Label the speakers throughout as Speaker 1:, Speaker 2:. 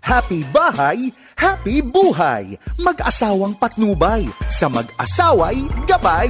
Speaker 1: Happy bahay, happy buhay. Mag-asawang patnubay, sa mag-asaway gabay.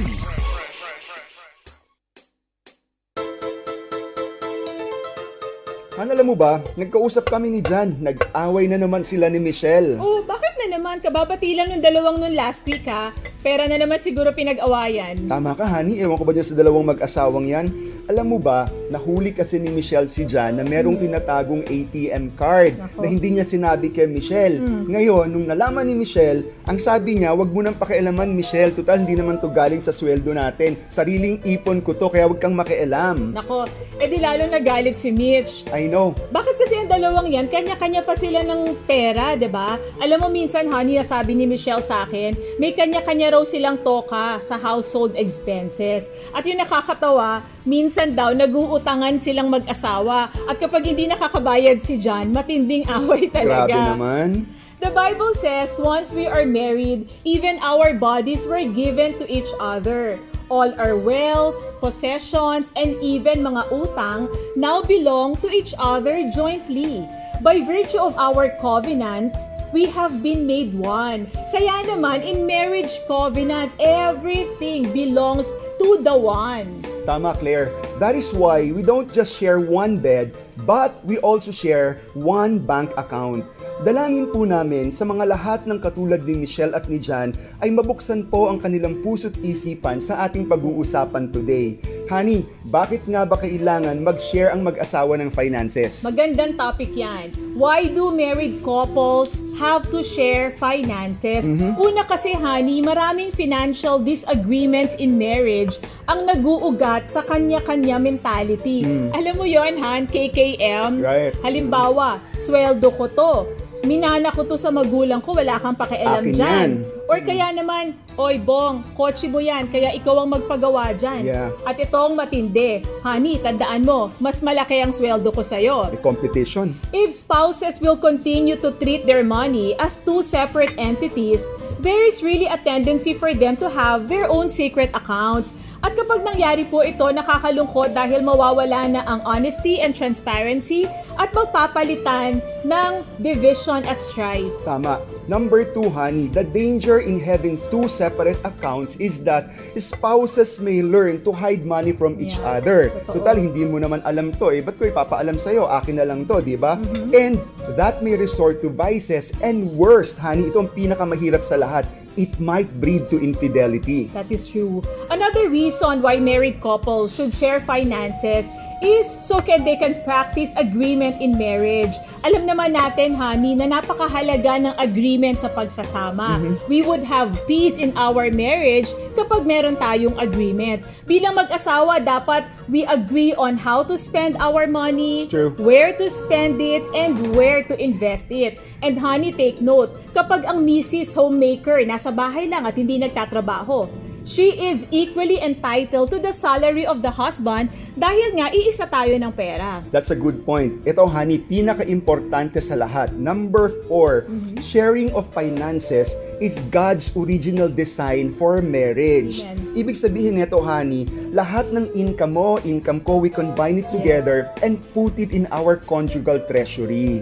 Speaker 2: Alam mo ba, nagkausap kami ni Jan. Nag-away na naman sila ni Michelle.
Speaker 3: Oh, bakit na naman? Kababati lang ng dalawang nun last week ha. Pera na naman siguro pinag-awayan.
Speaker 2: Tama ka, honey. Ewan ko ba dyan sa dalawang mag-asawang yan? Alam mo ba, nahuli kasi ni Michelle si Jan na merong tinatagong ATM card
Speaker 3: Nako.
Speaker 2: na hindi niya sinabi kay Michelle. Ngayon, nung nalaman ni Michelle, ang sabi niya, wag mo nang pakialaman, Michelle. Total, hindi naman to galing sa sweldo natin. Sariling ipon ko to, kaya wag kang makialam.
Speaker 3: Nako, edi lalo nagalit si Mitch.
Speaker 2: I know.
Speaker 3: Bakit kasi ang dalawang yan, kanya-kanya pa sila ng pera, 'di ba? Alam mo minsan, honey, sabi ni Michelle sa akin, may kanya-kanya raw silang toka sa household expenses. At yung nakakatawa, minsan daw nag-uutangan silang mag-asawa. At kapag hindi nakakabayad si John, matinding away talaga.
Speaker 2: Grabe naman.
Speaker 3: The Bible says, once we are married, even our bodies were given to each other. All our wealth, possessions, and even mga utang now belong to each other jointly. By virtue of our covenant, we have been made one. Kaya naman, in marriage covenant, everything belongs to the one.
Speaker 2: Tama, Claire. That is why we don't just share one bed, but we also share one bank account. Dalangin po namin sa mga lahat ng katulad ni Michelle at ni Jan ay mabuksan po ang kanilang puso't isipan sa ating pag-uusapan today. Honey, bakit nga ba kailangan mag-share ang mag-asawa ng finances?
Speaker 3: Magandang topic yan. Why do married couples have to share finances? Una kasi, honey, maraming financial disagreements in marriage ang nag-uugat sa kanya-kanya mentality. Alam mo yon, Han, KKM?
Speaker 2: Right.
Speaker 3: Halimbawa, sweldo ko to. Minana ko to sa magulang ko, wala kang pakialam
Speaker 2: Akin
Speaker 3: dyan.
Speaker 2: yan.
Speaker 3: Or kaya naman, oy Bong, kotse mo yan, kaya ikaw ang magpagawa dyan.
Speaker 2: Yeah.
Speaker 3: At itong matindi, honey, tandaan mo, mas malaki ang sweldo ko sa'yo.
Speaker 2: May competition.
Speaker 3: If spouses will continue to treat their money as two separate entities, there is really a tendency for them to have their own secret accounts. At kapag nangyari po ito, nakakalungkot dahil mawawala na ang honesty and transparency at magpapalitan ng division at strife.
Speaker 2: Tama. Number 2, honey, the danger in having two separate accounts is that spouses may learn to hide money from each
Speaker 3: Yeah,
Speaker 2: other.
Speaker 3: totoo.
Speaker 2: Total, hindi mo naman alam to eh. Ba't ko ipapaalam sa'yo? Akin na lang to, di ba? And that may resort to vices and worst, honey, ito ang pinakamahirap sa lahat. It might breed to infidelity.
Speaker 3: That is true. Another reason why married couples should share finances is so they can practice agreement in marriage. Alam naman natin, honey, na napakahalaga ng agreement sa pagsasama. We would have peace in our marriage kapag meron tayong agreement. Bilang mag-asawa, dapat we agree on how to spend our money,
Speaker 2: It's true.
Speaker 3: where to spend it, and where to invest it. And honey, take note, kapag ang Mrs. Homemaker nasa bahay lang at hindi nagtatrabaho, she is equally entitled to the salary of the husband dahil nga iisa tayo ng pera.
Speaker 2: That's a good point. Ito, honey, pinaka-importante sa lahat. Number 4, sharing of finances is God's original design for marriage.
Speaker 3: Amen.
Speaker 2: Ibig sabihin nito, honey, lahat ng income mo, income ko, we combine it together and put it in our conjugal treasury.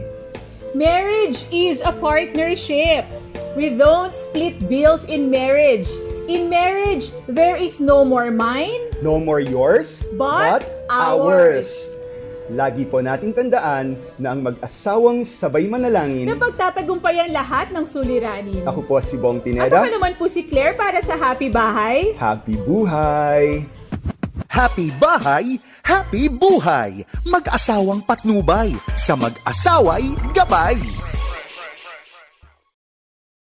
Speaker 3: Marriage is a partnership. We don't split bills in marriage. In marriage, there is no more mine,
Speaker 2: No more yours,
Speaker 3: But ours.
Speaker 2: Lagi po nating tandaan na ang mag-asawang sabay manalangin.
Speaker 3: na pagtatagumpayan lahat ng suliranin.
Speaker 2: Ako po si Bong
Speaker 3: At
Speaker 2: Pineda.
Speaker 3: ako naman po si Claire para sa Happy Bahay.
Speaker 2: Happy buhay!
Speaker 1: Happy bahay, happy buhay. Mag-asawang patnubay, sa mag-asaway gabay.